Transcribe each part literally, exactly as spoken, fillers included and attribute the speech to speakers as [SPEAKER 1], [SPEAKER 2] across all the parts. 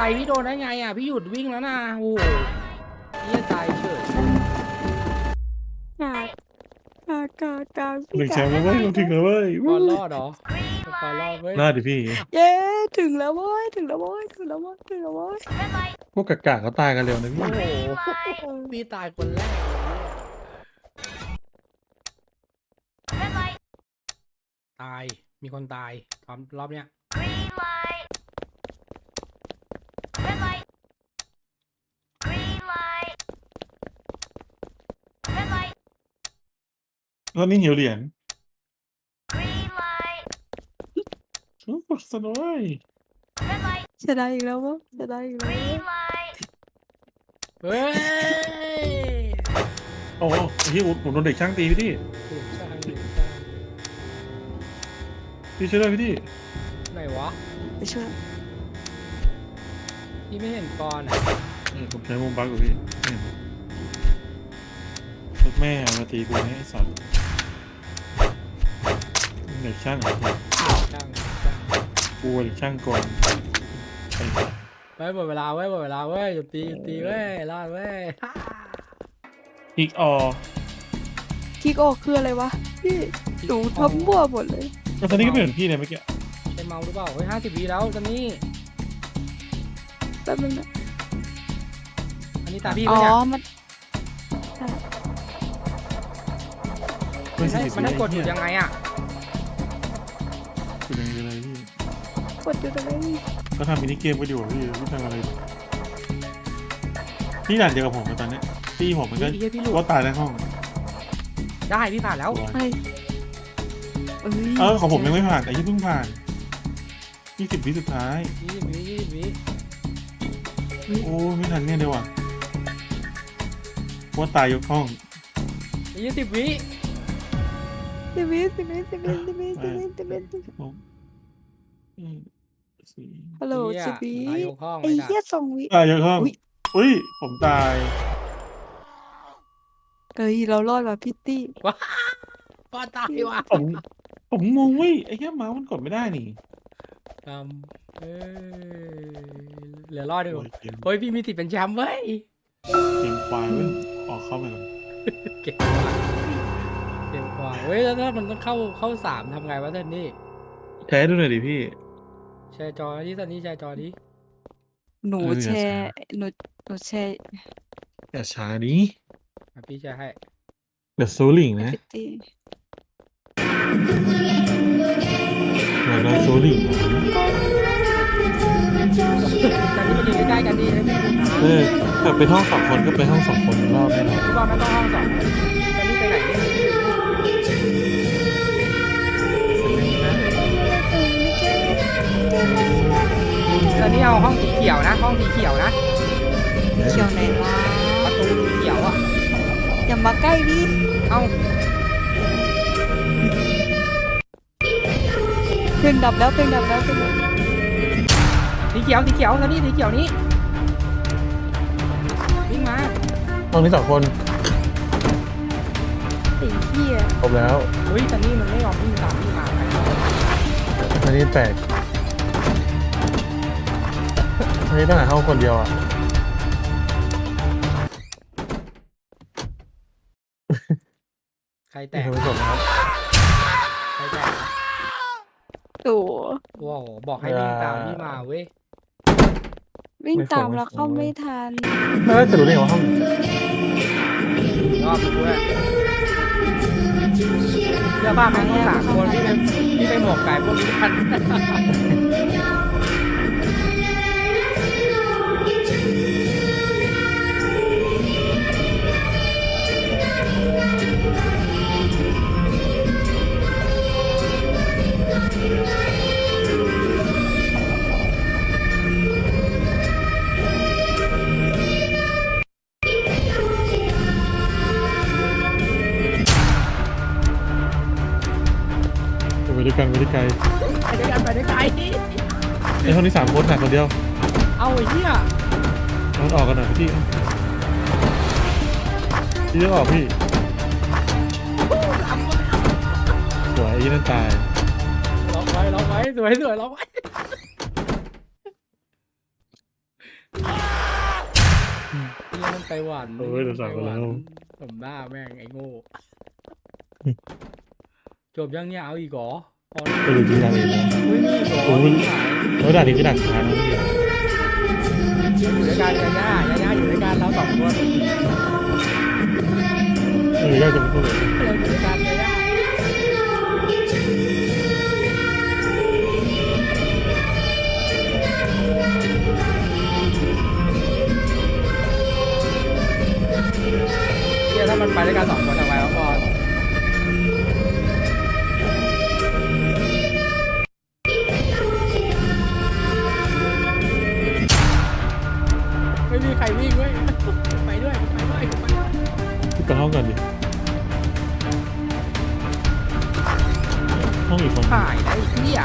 [SPEAKER 1] อะไรพี่โดนได้ไงอ่ะพี่หยุดวิ่งแล้วนะโอ้โหพี่ตายเฉย
[SPEAKER 2] กากากากาพี่
[SPEAKER 3] ถึงแช
[SPEAKER 2] กาม
[SPEAKER 3] ป์แล้วเว้ยเราถึงแล้วเว้ย
[SPEAKER 1] ปอนรอดเหรอปอนรอดเว้ย
[SPEAKER 3] รอดดิพี่
[SPEAKER 2] เย้ถึงแล้วเว้ยถึงแล้วเว้ยถึงแล้วเว้ยถึงแล้วเว้ย
[SPEAKER 3] พวกกากาเขาตายกันเร็วนะพี่
[SPEAKER 1] โอ้โหพี่ตายคนแรกตายมีคนตายตอนรอบเนี้ย
[SPEAKER 3] ตอนนี้หิวเหรียญโอ้สนุกเว้ย
[SPEAKER 2] จะได้อีกแล้ววะจะได้อีกแล้ววะ
[SPEAKER 1] เฮ้ย
[SPEAKER 3] โอ้โหพี่ผมโดนเด็กช่างตีพี่ดิ
[SPEAKER 1] ถูกช่างถูกช่าง
[SPEAKER 3] พี่ช่วยด้วยพี่ดิ
[SPEAKER 1] ไหนวะ
[SPEAKER 2] ไปช่วย
[SPEAKER 1] พี่ไม่เห็นปอนอ่ะ
[SPEAKER 3] เนี่ยผมใช้มุมบักกับพี่เนี่ยรถแม่มาตีกูให้ไอ้สัตว์เด็กช่างเหรอ
[SPEAKER 1] ช่างช่าง
[SPEAKER 3] กูเด็กช่างก่อนไอ้
[SPEAKER 1] เฮ้ยหมดเวลาเว้ยหมดเวลาเว้ยหยุดตีหยุดตีเว้ยรอดเว้ย
[SPEAKER 3] อีกออ
[SPEAKER 2] คิกออกคืออะไรวะพี่หนูทำมั่วหมดเลย
[SPEAKER 3] แล้วตอนนี้ก็ไม่เหมือนพี่เลยเมื่อกี้
[SPEAKER 1] ใช่เมาหรือเปล่าเฮ้ยห้าสิบวิแล้วตอนนี้
[SPEAKER 2] แป๊บนึงนะ
[SPEAKER 1] อันนี้ตาพี่
[SPEAKER 2] อ๋
[SPEAKER 1] ปะ
[SPEAKER 2] อ
[SPEAKER 1] เนี่ย
[SPEAKER 2] มัน
[SPEAKER 3] ไม่
[SPEAKER 1] มัน
[SPEAKER 3] ใช่
[SPEAKER 1] ให้มันให้กดหยุดยังไงอ่ะ
[SPEAKER 3] กดยังไงเลยพี่
[SPEAKER 2] กดอยู่ตรงนี้
[SPEAKER 3] ก็ทำมินิเกมก็อยู่พี่ไม่ทำอะไรพี่ด่านเดียวกับผมตอนนี้พี่ผมมันก็
[SPEAKER 1] พี่พี่หลุด
[SPEAKER 3] ว่าตายในห้อง
[SPEAKER 1] ได้พี่ผ่านแล้ว
[SPEAKER 2] ไอ้เอ้ย
[SPEAKER 3] เออของผมยังไม่ผ่านแต่ยี่เพิ่งผ่านยี่สิบวิสุดท้าย
[SPEAKER 1] ยี่สิบวิยี่สิบวิ
[SPEAKER 3] โอ้ไม่ทันเนี่ยเดียวอ่ะว่าตายยกห้อง
[SPEAKER 1] ยี่สิบวิ
[SPEAKER 2] สิบวิสิบวิสิบวิสิบวิสิบวิสิบวิสิบวิ
[SPEAKER 3] หกอืมสี่
[SPEAKER 2] ฮัลโหล
[SPEAKER 1] เหี้ย
[SPEAKER 2] สิบวิ
[SPEAKER 1] นายกห้อง
[SPEAKER 2] ไอ้
[SPEAKER 1] ไอ้
[SPEAKER 2] เหี้ย
[SPEAKER 1] ด่า
[SPEAKER 2] สองวิ
[SPEAKER 3] ตายยกห้อง
[SPEAKER 2] อุ๊ย
[SPEAKER 3] อุ้ยผมตาย
[SPEAKER 2] เอ้ยเรารอดว่ะพี่ตี้
[SPEAKER 1] ปอนตายว่ะ
[SPEAKER 3] ผมผมงงเว้ยไอ้แค่เมาส์มันกดไม่ได้นี่
[SPEAKER 1] ทำเอ้ยเหลือรอดอยู่
[SPEAKER 3] โอ้ยเกม
[SPEAKER 1] เฮ้ยพี่มีติดเป็นแชมป์เว้ย
[SPEAKER 3] เกมควายเว้ยออกเข้าไปก่อน
[SPEAKER 1] เก่งกว่าเก่งกว่าเฮ้ยแล้วถ้ามันต้องเข้าเข้าสามทำไงวะท่านนี่
[SPEAKER 3] แท้ดูหน่อยดิพี่
[SPEAKER 1] แชร์จอที่ท่านนี้แชร์จอนี้
[SPEAKER 2] หนู
[SPEAKER 3] เอออย่า
[SPEAKER 2] แชร์
[SPEAKER 3] ช้า
[SPEAKER 2] หนูหนูแชร์
[SPEAKER 3] อย่าช้านี้
[SPEAKER 1] พี่แชร์ให้
[SPEAKER 3] เดี๋ยวซูลิงนะ
[SPEAKER 2] พี่ตี้
[SPEAKER 3] เดี๋ยวเราซูลิงนะ
[SPEAKER 1] ตอนนี้มันอยู่ใกล้ๆกันดีนะพี่
[SPEAKER 3] เออถ้าไปห้องสองคนก็ไปห้องสองคนรอบแน่นอน
[SPEAKER 1] พี่บอลมันต้องห้องสองตอนนี้ไปไหนเนี่ยตอนนี้เอาห้องสีเขียวนะ ห้องสีเขียวนะ
[SPEAKER 2] เขียวไหนวะ
[SPEAKER 1] ประตูสีเขียวอ่ะ
[SPEAKER 2] อย่ามาใกล้ดิ
[SPEAKER 1] เอ้า
[SPEAKER 2] เพลงดับแล้วเพลงดับแล้วเพลงดับ
[SPEAKER 1] สีเขียวสีเขียวตอนนี้สีเขียวนี้วิ่งมา
[SPEAKER 3] ห้องนี้สองคน
[SPEAKER 2] ไอ้เหี้ย
[SPEAKER 3] ครบแล้ว
[SPEAKER 1] เฮ้ยตอนนี้มันไม่ยอมวิ่งตามพี่มาไป
[SPEAKER 3] อันนี้แปลกอันนี้ต้องหาห้องคนเดียวอ่ะ
[SPEAKER 1] ใครแต
[SPEAKER 3] นี่
[SPEAKER 1] ก
[SPEAKER 3] คือไม่จบนะครับ
[SPEAKER 1] ใครแตก
[SPEAKER 2] โอ้
[SPEAKER 1] ว้าวบอกให้วิ่งตามพี่มาเว้ย
[SPEAKER 2] วิ่งตามแล้วเข้าไม่ทัน
[SPEAKER 3] ไม่ว่าจะรู้ได้ไงว่าห้อง
[SPEAKER 1] รอบด้วยเสื้อผ้าแม่งต้องสามคนพี่ไปพี่ไปหมวกไก่พวกนี้กัน
[SPEAKER 3] ไปด้วยกันไปด้วยกัน
[SPEAKER 1] ไปด้วยกันไปด้วยกัน
[SPEAKER 3] ไอ้ห้องนี้สามคนหนักคนเดียว
[SPEAKER 1] เอาไอ้เหี้ย
[SPEAKER 3] เอามันออกกันหน่อยพี่พี่ต้องออกพี่สวยไอ้นั่นตาย
[SPEAKER 1] ล็อกไว้ล็อกไว้สวยสวยล็อกไว้นี่มันไปหวัน
[SPEAKER 3] เออเดี๋ยวสั่ง
[SPEAKER 1] ไปหวัน
[SPEAKER 3] แล้ว
[SPEAKER 1] สมหน้าแม่งไอ้โง่จบยังเนี่ยเอาอีกเหรอพอ
[SPEAKER 3] ไปดูที่ร้านเองนะ
[SPEAKER 1] เฮ้ยนี่เหรอ
[SPEAKER 3] โอ้ย
[SPEAKER 1] หาย
[SPEAKER 3] แล้วด่านนี้คือด่านช้านะพี่
[SPEAKER 1] อยู่ด้วยกันยาย่ายาย่าอยู่ด้วยกันเราสองคน
[SPEAKER 3] เออยากจะพูดเลย
[SPEAKER 1] เราอยู่ด้วยกันยาย่าเฮียถ้ามันไปด้วยกันสองคนทำไมวะบอลไม่มีใครวิ่งเว้ยไปด้วยไปด้วยไปด้วย
[SPEAKER 3] พี่ไปห้องกันดิห้องอีกคน
[SPEAKER 1] ถ่ายได้เหี้ย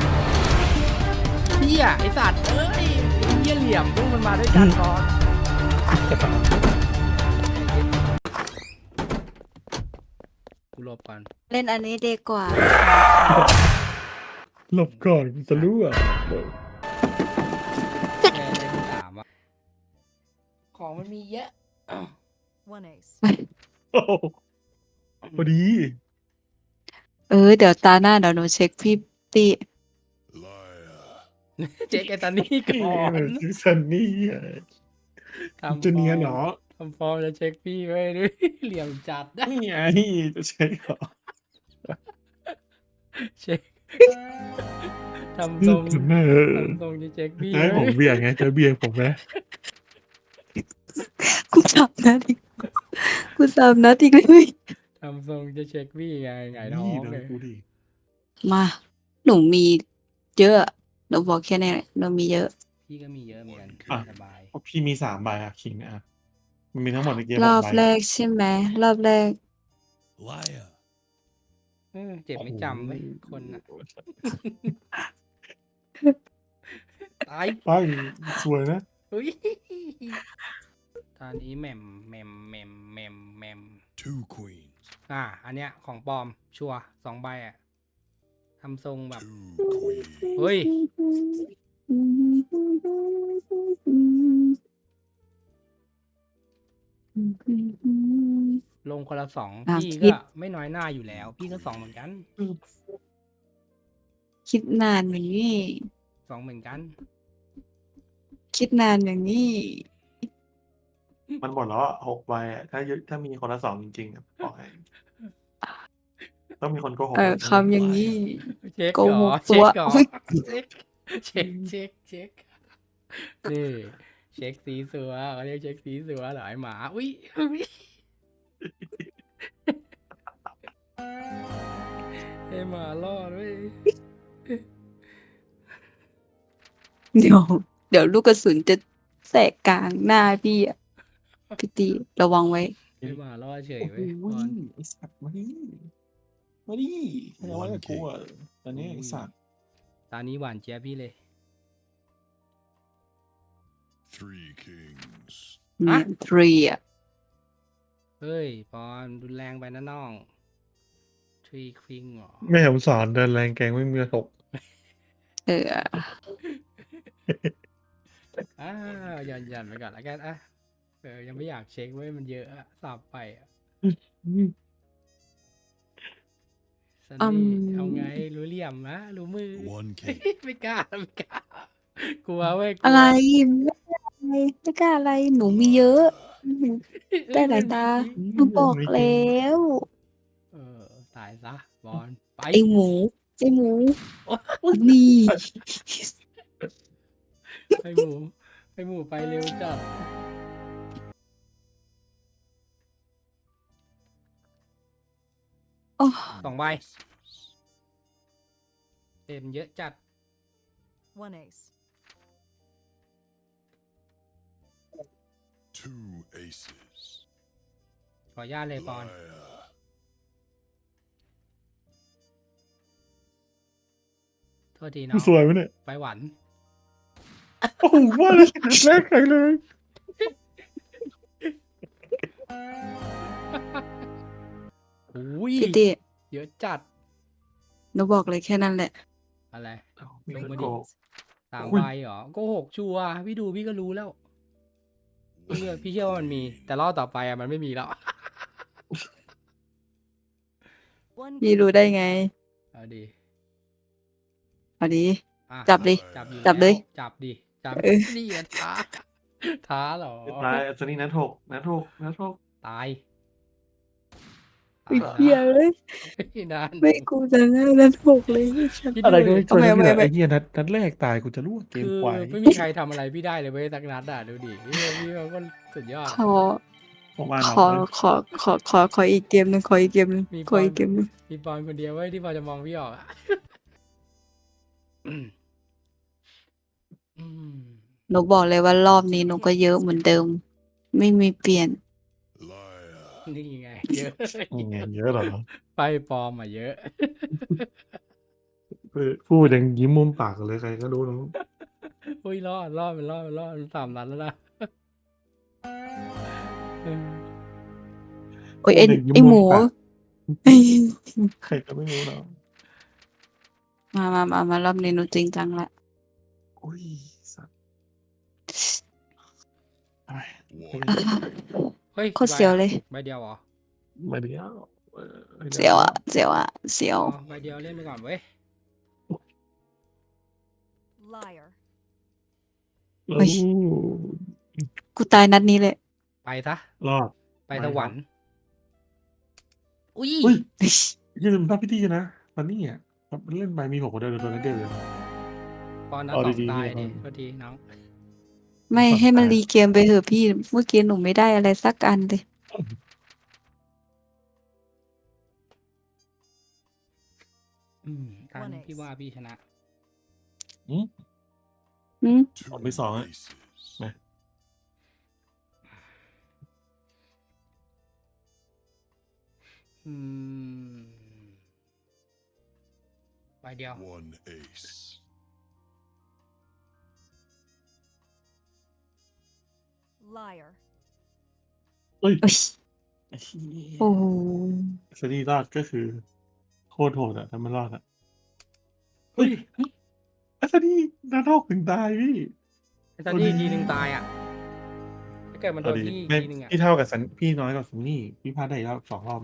[SPEAKER 1] เหี้ยไอสัตว์เอ้ยไอ้เหี้ยเหลี่ยมพวกมันมาด้วยกันก่อนกูหลบก่อน
[SPEAKER 2] เล่นอันนี้ดีกว่า
[SPEAKER 3] หลบก่อนจะรู้อ่ะ
[SPEAKER 1] แค่เล่นสามอะของมันมีเยอะ
[SPEAKER 4] One ace.
[SPEAKER 3] โอ้โหพอดี
[SPEAKER 2] เออ เดี๋ยวตาหน้าเดี๋ยวหนูเช็คพี่ตี
[SPEAKER 1] เจ๊กไอตานี่ก่อน
[SPEAKER 3] ซิซันนี่อ่ะ
[SPEAKER 1] ทำ
[SPEAKER 3] จะเนียนเหรอ
[SPEAKER 1] ทำฟอร์มจะเช็คพี่ไว้ด้วยเหลี่ยมจัดนะ
[SPEAKER 3] นี่ไงจะใช่เหรอ
[SPEAKER 1] เช็คทำทรง
[SPEAKER 3] เออ
[SPEAKER 1] ทำทรงจะเช็คพี่
[SPEAKER 3] ให้ผม
[SPEAKER 1] ไว้
[SPEAKER 3] เบี่ยงไงเจอเบี่ยงผมไหม
[SPEAKER 2] กูสามนัดอีกกูสามนัดอีกเลย
[SPEAKER 1] ทำทรงจะเช็คพี่ไงไงท้อ
[SPEAKER 3] นี่
[SPEAKER 1] ง
[SPEAKER 3] นะ
[SPEAKER 1] เลย
[SPEAKER 3] กูดิ
[SPEAKER 2] มา หนูมีเยอะหนูบอกแค่นี้แหละหนูมีเยอะ
[SPEAKER 1] พี่ก็มีเยอะเหมือนกัน
[SPEAKER 3] อ่ะ
[SPEAKER 1] สบาย
[SPEAKER 3] เพราะพี่มีสามใบอะคิงอ่ะมันมีทั้งหมดในเกม
[SPEAKER 2] ร
[SPEAKER 3] ห
[SPEAKER 2] อก บ
[SPEAKER 3] ใบ
[SPEAKER 2] แรกใช่ไหมรอบแรก
[SPEAKER 5] Liar.
[SPEAKER 1] เออเจ็บไม่จำเว้ยคนอ่ะตาย
[SPEAKER 3] ไปสวยนะ
[SPEAKER 1] อุ้ยตอนนี้แหม่มแหม่มแหม่มแหม่มแหม่ม
[SPEAKER 5] Two queens.
[SPEAKER 1] อ่า อันเนี้ยของปลอมชัวร์สองใบอ่ะทำทรงแบบ
[SPEAKER 5] Two queens.
[SPEAKER 1] เฮ้ย ลงคนละสอง
[SPEAKER 2] อ่ะ
[SPEAKER 1] พี่
[SPEAKER 2] คิ
[SPEAKER 1] ก็
[SPEAKER 2] ด
[SPEAKER 1] ไม่น้อยหน้าอยู่แล้ว พี่ก็สองเหมือนกัน
[SPEAKER 2] คิดนานอย่างนี้
[SPEAKER 1] สองเหมือนกัน
[SPEAKER 2] คิดนานอย่างนี้
[SPEAKER 3] มันหมดแล้วอะหกใบอะถ้ายึดถ้ามีคนละสองจริงๆอะบอกให้ต้องมีคนโกหก
[SPEAKER 2] เออคำอย่างนี้
[SPEAKER 1] เช็ค
[SPEAKER 2] โก
[SPEAKER 1] เหร
[SPEAKER 2] ห
[SPEAKER 1] อก
[SPEAKER 2] ตั
[SPEAKER 1] เช็
[SPEAKER 2] ว
[SPEAKER 1] คเหรอ
[SPEAKER 2] อุ๊ย
[SPEAKER 1] เช็คเช็คเช็คเช็คนี่เช็คสีสัวเขาเรียกเช็คสีสัวเหรอไอหมาอุ้ยอุ้ยไอหมารอดเว้ย
[SPEAKER 2] เดี๋ยว เดี๋ยวลูกกระสุนจะแสกกลางหน้าพี่อะพี่ตีระวังไว้
[SPEAKER 1] ไอหมารอดเฉย
[SPEAKER 3] โอ้
[SPEAKER 1] เว้ย
[SPEAKER 3] โห
[SPEAKER 1] บอล
[SPEAKER 3] ไอสัตว์มาดิมาดิเอาไว้กับกูอะตอนนี้ไอสัตว์
[SPEAKER 1] ตอนนี้หวานเจี๊ยบพี่เลย
[SPEAKER 5] Three kings.
[SPEAKER 1] อะ
[SPEAKER 2] ทรีอะ
[SPEAKER 1] เฮ้ยปอนรุนแรงไปนะน้องทรีควิงเหรอ
[SPEAKER 3] แม่ผมสอนเดินแรงแกงไม่มีกระทบ
[SPEAKER 2] เออ
[SPEAKER 1] อ่าหย่อนหย่อนไปก่อนแล้วกันอ่ะเออยังไม่อยากเช็คเว้ยมันเยอะอะสับไปอะซัน
[SPEAKER 2] อื
[SPEAKER 1] นี่
[SPEAKER 2] ม
[SPEAKER 1] เอาไงรู้เหลี่ยมนะรู้มือ
[SPEAKER 5] One king.
[SPEAKER 1] ไม่กล้าไม่กล้ากลัวเว้ยกลัว
[SPEAKER 2] อะไรไม่กล้าอะไรไม่กล้าอะไรหนูมีเยอะหนูได้หลายตาหนูบอกแล้ว
[SPEAKER 1] เออตายซะบอลไป
[SPEAKER 2] ไอหมูไอหมูนี่
[SPEAKER 1] ไอหมูไอหมูไปเร็วจัด
[SPEAKER 2] โอ้
[SPEAKER 1] สองใบเต็มเยอะจัด
[SPEAKER 4] One ace.
[SPEAKER 5] Two aces.
[SPEAKER 1] ขออนุญาตเลยปอน
[SPEAKER 5] Liar.
[SPEAKER 1] โทษทีน้อง
[SPEAKER 3] สวยไหมเนี่ย
[SPEAKER 1] ไปหวัน
[SPEAKER 3] โอ้โหว่าเลยแรกใครเลย
[SPEAKER 1] อุ้ย
[SPEAKER 2] พี่ตี
[SPEAKER 1] เยอะจัด
[SPEAKER 2] หนูบอกเลยแค่นั้นแหละ
[SPEAKER 1] อะไร
[SPEAKER 3] มี
[SPEAKER 1] ลง
[SPEAKER 3] คน
[SPEAKER 1] มา
[SPEAKER 3] โก
[SPEAKER 1] ดิ
[SPEAKER 3] หก
[SPEAKER 1] สาม
[SPEAKER 3] อุ้ย
[SPEAKER 1] ใบเหรอโกหกชัวร์พี่ดูพี่ก็รู้แล้วพี่เชื่อพี่เชื่อว่ามันมี แต่รอบต่อไปอะมันไม่มีแล้ว
[SPEAKER 4] One
[SPEAKER 2] พี่
[SPEAKER 4] king.
[SPEAKER 2] รู้ได้ไง
[SPEAKER 1] เอาดี
[SPEAKER 2] เอาดี
[SPEAKER 1] อ่ะ
[SPEAKER 2] จับดิ
[SPEAKER 1] จับอยู่
[SPEAKER 2] จับเลย
[SPEAKER 1] แล้วจับดิจับ
[SPEAKER 2] เออ
[SPEAKER 1] นี่อะท้า ท้าเหรอ
[SPEAKER 3] เรียบร้อยอัศนีนัดหกนัดหกนัดหก
[SPEAKER 1] ตาย
[SPEAKER 2] ไอ้
[SPEAKER 1] ตาย
[SPEAKER 2] เหี้ย
[SPEAKER 1] นะ
[SPEAKER 2] เอ้ย
[SPEAKER 1] ไม่นาน
[SPEAKER 2] ไม่กูจะง่ายนัดหกเลยฉัน
[SPEAKER 1] คิด
[SPEAKER 3] อะไร
[SPEAKER 1] ดู
[SPEAKER 3] ก็
[SPEAKER 1] ดิ
[SPEAKER 3] ไม่
[SPEAKER 2] เอา
[SPEAKER 3] เกิน
[SPEAKER 2] ใหม่
[SPEAKER 3] ที่
[SPEAKER 2] เอาใหม่
[SPEAKER 3] ไอ้เหี้ยนัดนัดแรกตายกูจะรู้ว่าเกม
[SPEAKER 1] คือ
[SPEAKER 3] ควาย
[SPEAKER 1] ไม่มีใครทำอะไรพี่ได้เลยเว้ยสักนัดอ่ะดูดิพี่พี่เขาก็สุดยอด
[SPEAKER 2] ขอ
[SPEAKER 3] ผมว่า
[SPEAKER 2] ข
[SPEAKER 3] น้อง
[SPEAKER 2] อ
[SPEAKER 3] เลย
[SPEAKER 2] ขอ ขอ ขอ ขออีกเกมหนึ่งขออีกเกมหนึ่ง
[SPEAKER 1] มี
[SPEAKER 2] ข
[SPEAKER 1] บ
[SPEAKER 2] อ
[SPEAKER 1] อล
[SPEAKER 2] อีกเกมหนึ่ง
[SPEAKER 1] มีบอลคนเดียวเว้ยที่พอจะมองพี่ออกอะ อืมอืม
[SPEAKER 2] หนูบอกเลยว่ารอบนี้หนูก็เยอะเหมือนเดิม ไม่มีเปลี่ยน
[SPEAKER 5] Liar.
[SPEAKER 1] นี่ไง เยอะ
[SPEAKER 3] นี่ไงเยอะเหรอ
[SPEAKER 1] ไปปลอมอ่ะเยอะ
[SPEAKER 3] เออพูดยังยิ้มมุมปากเลยใครก็รู้น้อง
[SPEAKER 1] อุ้ยรอดรอดมันรอดมันรอดมันสามนัดแล้วนะ เออ
[SPEAKER 2] โอ้ยไอ้
[SPEAKER 3] พูดยังยิ้
[SPEAKER 2] ไอ้หมู
[SPEAKER 3] ปากใครก็ไม่รู้เนาะ
[SPEAKER 2] มามามามารอบนี้หนูจริงจังละ
[SPEAKER 3] อุ้ยสัตว์ทำไม
[SPEAKER 5] One.
[SPEAKER 1] เฮ้ย
[SPEAKER 2] โคตรเสียวเลย
[SPEAKER 1] ใบเดียวเหรอ
[SPEAKER 3] มาเดียวเออไม่ได้
[SPEAKER 2] เสียวอะเสียวอะเสียว
[SPEAKER 1] อ๋อใบเดียวเล่นไปก่อนเว้ย
[SPEAKER 4] Liar.
[SPEAKER 3] โอ้
[SPEAKER 2] เฮ้ย กูตายนัดนี้เลย
[SPEAKER 1] ไปซะ
[SPEAKER 3] รอด
[SPEAKER 1] ไปสวรรค์ อุ้ย
[SPEAKER 3] อุ้ยอย่าลืมภาพพิธีนะตอนนี้อ่ะมันเล่นไปมีผมคนเดียวตัวนั้นเดียวเลย
[SPEAKER 1] ปอนนัด
[SPEAKER 3] เอา
[SPEAKER 1] สอง
[SPEAKER 3] ดีๆ
[SPEAKER 1] ตาย
[SPEAKER 3] พี่
[SPEAKER 1] ดิ
[SPEAKER 3] เอา
[SPEAKER 1] พอดีน้อง
[SPEAKER 2] ไม่
[SPEAKER 3] สอง
[SPEAKER 2] ให้มัน
[SPEAKER 3] ตาย
[SPEAKER 2] รีเกมไปเถอะพี่ เมื่อกี้หนูไม่ได้อะไรสักอันเลย
[SPEAKER 1] อืมตาม
[SPEAKER 4] One
[SPEAKER 1] พี่
[SPEAKER 4] ace.
[SPEAKER 1] ว่าพี่ชนะ
[SPEAKER 3] อืม
[SPEAKER 2] อืม
[SPEAKER 5] Two
[SPEAKER 3] Còn mấy sòng ấy.
[SPEAKER 5] aces.
[SPEAKER 3] Này.
[SPEAKER 1] อืมใบเดียว
[SPEAKER 5] One ace.
[SPEAKER 4] Liar.
[SPEAKER 3] เอ้ย
[SPEAKER 2] เอ้ย
[SPEAKER 3] ไอ้เหี้ย
[SPEAKER 2] โอ้โห
[SPEAKER 3] สตีรอดก็คือ โคตรโหดอ่ะถ้ามันรอดอ่ะ
[SPEAKER 1] เฮ้ย
[SPEAKER 3] อัศนีนัดหกถึงตายพี่
[SPEAKER 1] ไอ้ตอนที่ทีหนึ่งตายอ่ะ ถ้าเกิดมันโด
[SPEAKER 3] เอา
[SPEAKER 1] น
[SPEAKER 3] ดี
[SPEAKER 1] พี่อีก
[SPEAKER 3] ไม่
[SPEAKER 1] ทีหนึ่งอ่ะ
[SPEAKER 3] พี่เท่ากับสันพี่น้อยกว่าซันนี่พี่พลาดได้อีกรอบสองรอบ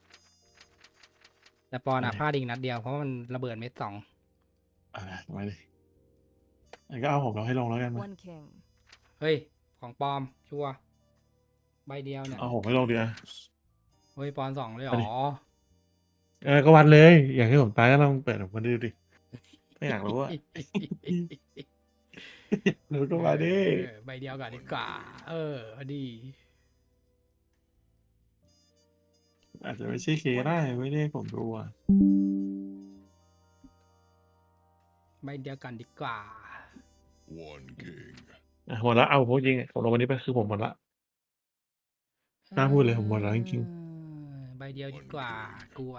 [SPEAKER 1] แต่ปอนอ่ะ
[SPEAKER 3] อะไร
[SPEAKER 1] พลาดอีกนัดเดียวเพราะมันระเบิดเม็ดสอง
[SPEAKER 3] อ่ามาเลยงั้นก็เอาผมเราให้ลงแล้วกันมา
[SPEAKER 4] One king.
[SPEAKER 1] เฮ้ย ของปลอม ชัวร์ใบเดียวเนี่ย
[SPEAKER 3] เอาผมให้ลงดีอ่ะ
[SPEAKER 1] เฮ้ย ปอนสองเลยเหร
[SPEAKER 3] เอาดิ
[SPEAKER 1] อ
[SPEAKER 3] เออก็วัดเลย อย่างที่ผมตายก็ลองเปิดออกมาดูดิไม่อยากรู้อ่ะ หนูก็มาดิ
[SPEAKER 1] เออใบเดียวก่อนดีกว่า เออพอดี
[SPEAKER 3] อาจจะไม่ใช่เคได้ไม่ได้ผมดูอ่ะ
[SPEAKER 1] ใบเดียวกันดีกว่า
[SPEAKER 5] One king.
[SPEAKER 3] อ่ะหมดละเอาผมจริงๆผมลงวันนี้ไปคือผมหมดละ กล้าพูดเลยผมหมดแล้วจริง
[SPEAKER 1] เออใบเดียวดีกว่า กลัว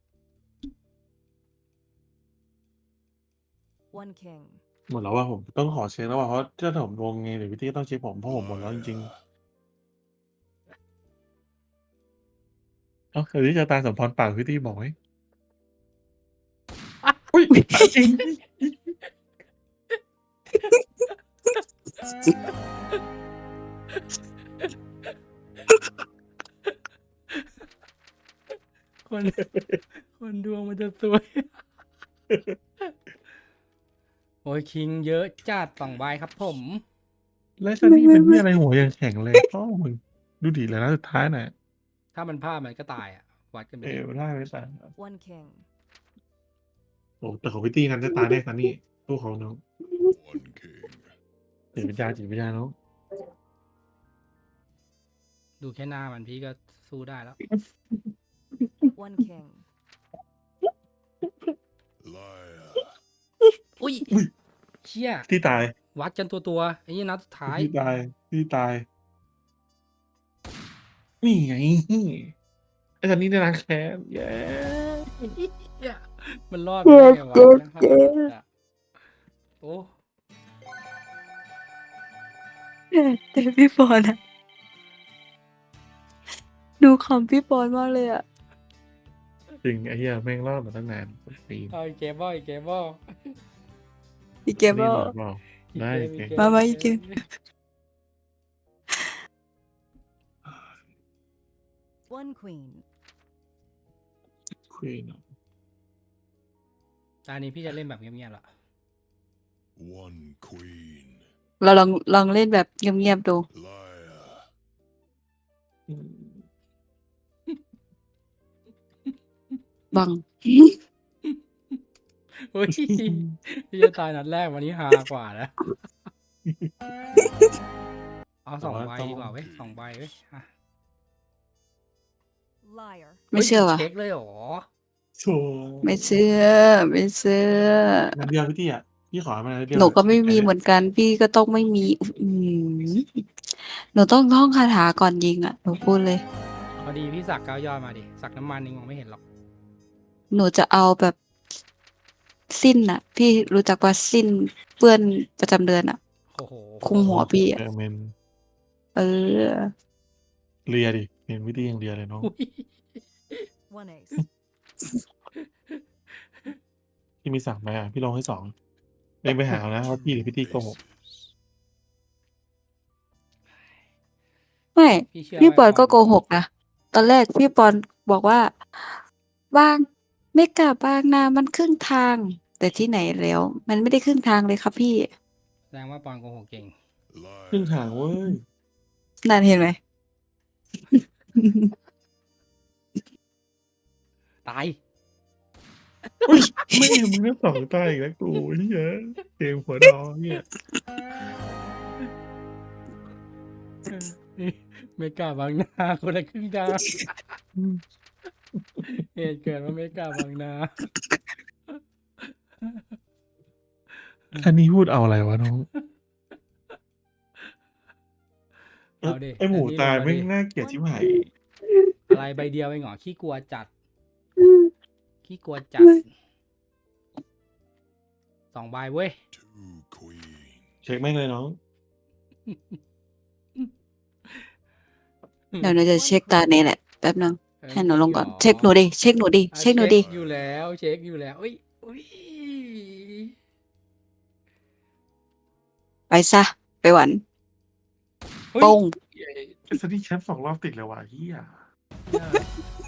[SPEAKER 4] One king.
[SPEAKER 3] หมดแล้วว่าผมต้องขอเช็คแล้วว่าเพราะถ้าผมลงไงเดี๋ยวพี่ตี้ก็ต้องเช็คผมเพราะผมหมดแล้วจริงๆเอ้าเดี๋ยวนี้จะตาสมพรปากพี่ตี้บอกไหมอุ้ยจริง
[SPEAKER 1] คน คนดวงมันจะสวย โอ้ยคิงเยอะจัดสองใบครับผม
[SPEAKER 3] แล้วซันนี่เป็นที่อะไรหัวยังแข็งเลยพ่อมึงดูดีเลยนะสุดท้ายน่ะ
[SPEAKER 1] ถ้ามันพลาดมันก็ตายอ่ะ วัดกันไป
[SPEAKER 3] เอ
[SPEAKER 1] ดิ
[SPEAKER 3] อได้ไหมตา
[SPEAKER 4] One king.
[SPEAKER 3] โอ้แต่ของพี่ตี้กันจะตายได้ซันนี่ตู้เขาน้อง
[SPEAKER 5] One king.
[SPEAKER 3] จิตวิญญาณจิตวิญญาณน้อง
[SPEAKER 1] ดูแค่หน้ามันพี่ก็สู้ได้แล้ว
[SPEAKER 4] One king.
[SPEAKER 5] Liar.
[SPEAKER 1] อุ้ยเชี่ย
[SPEAKER 3] ที่ตาย
[SPEAKER 1] วัดกันตัวตัวๆไอ้นี่นัดสุดท้าย
[SPEAKER 3] ที่ตายที่ตายนี่ไงไอ้ซันนี่ได้ล้างแค้นเย้
[SPEAKER 1] มันรอดไปได้ไงวะยังห้าอ่ะโอ้
[SPEAKER 2] แต่พี่ปอนอะดูคำพี่ปอนมากเลยอะ
[SPEAKER 3] จริงไอ้เหี้ยแม่งรอดมาตั้งนานปี
[SPEAKER 1] เอาอีกเกมบอลอีกเกมบอล
[SPEAKER 2] อีกเกม
[SPEAKER 3] นี่
[SPEAKER 2] ก็
[SPEAKER 3] รอดเปล่าได้
[SPEAKER 1] อีก
[SPEAKER 3] เกม
[SPEAKER 1] เกม
[SPEAKER 2] มามาอีกเกม
[SPEAKER 4] One queen.
[SPEAKER 3] ควีน
[SPEAKER 1] ตอนนี้พี่จะเล่นแบบเงียบๆละ
[SPEAKER 5] One queen.
[SPEAKER 2] เราลองลองเล่นแบบเงียบๆดู
[SPEAKER 5] Liar.
[SPEAKER 2] บัง
[SPEAKER 1] อุ้ยพี่จะตายนัดแรกวันนี้ฮากว่านะเอาสองใบดีกว่าเว้ยสองใบเว้ยอ่ะ
[SPEAKER 4] Liar.
[SPEAKER 2] ไม่เชื่อ
[SPEAKER 1] ฮ้ย
[SPEAKER 2] ว่ะ
[SPEAKER 1] เช็คเลยเหรอ
[SPEAKER 3] โช
[SPEAKER 2] ไม่เชื่อ ไม่เชื่อ
[SPEAKER 3] นัดเดียวพี่ตี้อ่ะพี่ขอมานัดเดียว
[SPEAKER 2] หนูก็ไม่มี
[SPEAKER 3] แค่
[SPEAKER 2] เหมือนกัน พี่ก็ต้องไม่มี อืมหนูต้องท่องคาถาก่อนยิงอ่ะ หนูพูดเลย
[SPEAKER 1] พอดีพี่สักเก้ายอดมาดิ สักน้ำมันนี่มองไม่เห็นหรอก
[SPEAKER 2] หนูจะเอาแบบสิ้นอ่ะ พี่รู้จักว่าสิ้นเปื้อนประจำเดือนอ่ะ
[SPEAKER 1] โอ้โห
[SPEAKER 2] คุมหัวพี่
[SPEAKER 3] เอ
[SPEAKER 2] อ่ะ
[SPEAKER 3] อเมน
[SPEAKER 2] เออ
[SPEAKER 3] เลียดิเห็นวิธีอย่างเดียวเลยน้อง
[SPEAKER 1] อุ๊ย
[SPEAKER 4] One ace.
[SPEAKER 3] พี่มีสั่งไหมอ่ะพี่ลงให้สองเองไปหาเอานะว่าพี่หรือพี่ตี้โกหก
[SPEAKER 5] Aces.
[SPEAKER 2] ไม่
[SPEAKER 1] พี่เชื่อ
[SPEAKER 2] พี่
[SPEAKER 1] ว่า
[SPEAKER 2] ปอนก็
[SPEAKER 1] ความ
[SPEAKER 2] โกหกนะ ตอนแรกพี่ปอนบอกว่า บางไม่กลับบางนามันครึ่งทาง แต่ที่ไหนแล้ว มันไม่ได้ครึ่งทางเลยครับพี่
[SPEAKER 1] แสดงว่าปอนโกหกเก่ง
[SPEAKER 3] ครึ่ง
[SPEAKER 5] Liar.
[SPEAKER 3] ทางเว้ย
[SPEAKER 2] นั่นเห็นไหม
[SPEAKER 1] ตาย
[SPEAKER 3] ไม่มึงได้สองตายอีกแล้วกูเฮียเกมหัวดอเนี่ย
[SPEAKER 1] ไม่กล้าบางนาคนละครึ่งทางเหตุเกิดว่าไม่กล้าบางนา
[SPEAKER 3] อันนี้พูดเอาอะไรวะน้อง
[SPEAKER 1] เอาดิ
[SPEAKER 3] ไอหมู
[SPEAKER 1] อันนี้
[SPEAKER 3] ตาย
[SPEAKER 1] ลงมา
[SPEAKER 3] ไม่ง
[SPEAKER 1] ดิ
[SPEAKER 3] น่าเกลียดชิบหาย
[SPEAKER 1] อะไรใบเดียวเองเหรอขี้กลัวจัด ขี้กลัวจัด สองใบเว้ย
[SPEAKER 5] Two queens.
[SPEAKER 3] เช็คแม่งเลยน้อง
[SPEAKER 2] เดี๋ยวหนูจะเช็คตาเนี่ยแหละ แป๊บนึง
[SPEAKER 1] เอ้ย
[SPEAKER 2] ให้หนูลงก่อน
[SPEAKER 1] จริงเหรอ
[SPEAKER 2] เช็คหนูดิ เช็คหนูดิ
[SPEAKER 1] อ่ะ
[SPEAKER 2] เช็คหนูดิ
[SPEAKER 1] อยู่แล้ว เช็คอยู่แล้วอุ้ยอุ้ย
[SPEAKER 2] ไปซะ ไปหวัน
[SPEAKER 1] เฮ้ย
[SPEAKER 2] โป้ง
[SPEAKER 3] เป็นสตีแชมป์สองรอบติดเลยว่ะเฮีย
[SPEAKER 1] เนี่ย